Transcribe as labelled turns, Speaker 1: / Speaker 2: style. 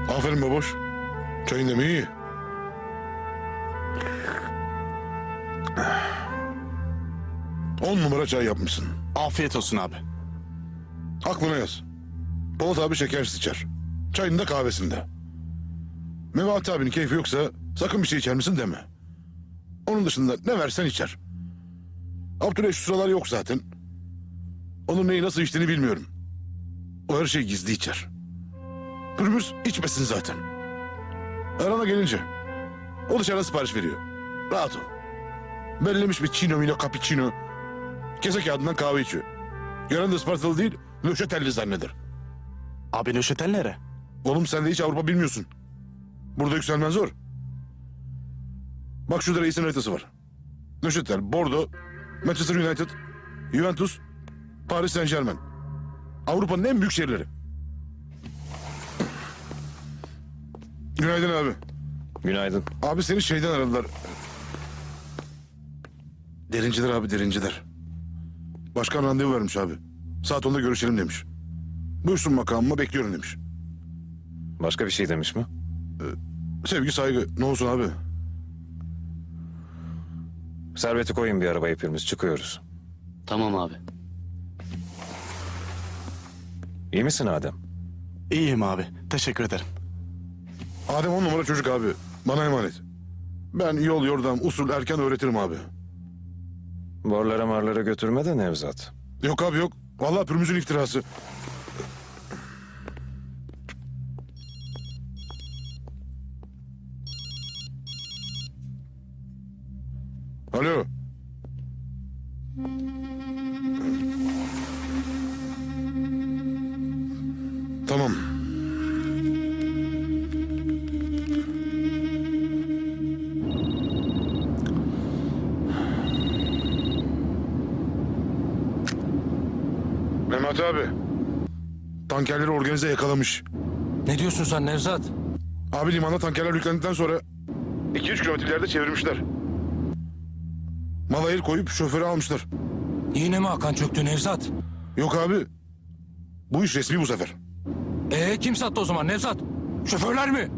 Speaker 1: Aferin baboş. Çayın demliği iyi. On numara çay yapmışsın.
Speaker 2: Afiyet olsun abi.
Speaker 1: Aklına yaz. Polat abi şekersiz içer. Çayında kahvesinde. Mevati abinin keyfi yoksa sakın bir şey içer misin deme. Onun dışında ne versen içer. Abdüley şu sıralar yok zaten. Onun neyi nasıl içtiğini bilmiyorum. O her şeyi gizli içer. Pürmüz içmesin zaten. Arana gelince o dışarıda sipariş veriyor. Rahat ol. Bellemiş bir chino mino cappuccino. Kese kağıdından kahve içiyor. Gören de Ispartalı değil, Nöşetelli zanneder.
Speaker 2: Abi Nöşetel nere?
Speaker 1: Oğlum sen de hiç Avrupa bilmiyorsun. Burada yükselmen zor. Bak şurada reisin haritası var. Nöşetel, Bordeaux, Manchester United, Juventus, Paris Saint-Germain. Avrupa'nın en büyük şehirleri. Günaydın abi.
Speaker 3: Günaydın.
Speaker 1: Abi seni şeyden aradılar. Derinciler abi, derinciler. Başkan randevu vermiş abi. Saat 10'da görüşelim demiş. Buyursun makamıma, bekliyorum demiş.
Speaker 3: Başka bir şey demiş mi?
Speaker 1: Sevgi saygı ne olsun abi.
Speaker 3: Serveti koyun bir araba hepimiz çıkıyoruz.
Speaker 4: Tamam abi.
Speaker 3: İyi misin Adem?
Speaker 2: İyiyim abi. Teşekkür ederim.
Speaker 1: Adem 10 numara çocuk abi. Bana emanet. Ben yol yordam usul erken öğretirim abi.
Speaker 3: Borlara marlara götürme de Nevzat.
Speaker 1: Yok abi yok. Vallahi pürmüzün iftirası. Alo. Tamam. Mehmet abi. Tankerleri organize yakalamış.
Speaker 5: Ne diyorsun sen Nevzat?
Speaker 1: Abi limanda tankerler yüklendikten sonra 2-3 kilometre ileride çevirmişler. Mala el koyup şoförü almışlar.
Speaker 5: Yine mi Hakan çöktü Nevzat?
Speaker 1: Yok abi. Bu iş resmi bu sefer.
Speaker 5: Kim sattı o zaman Nevzat? Şoförler mi?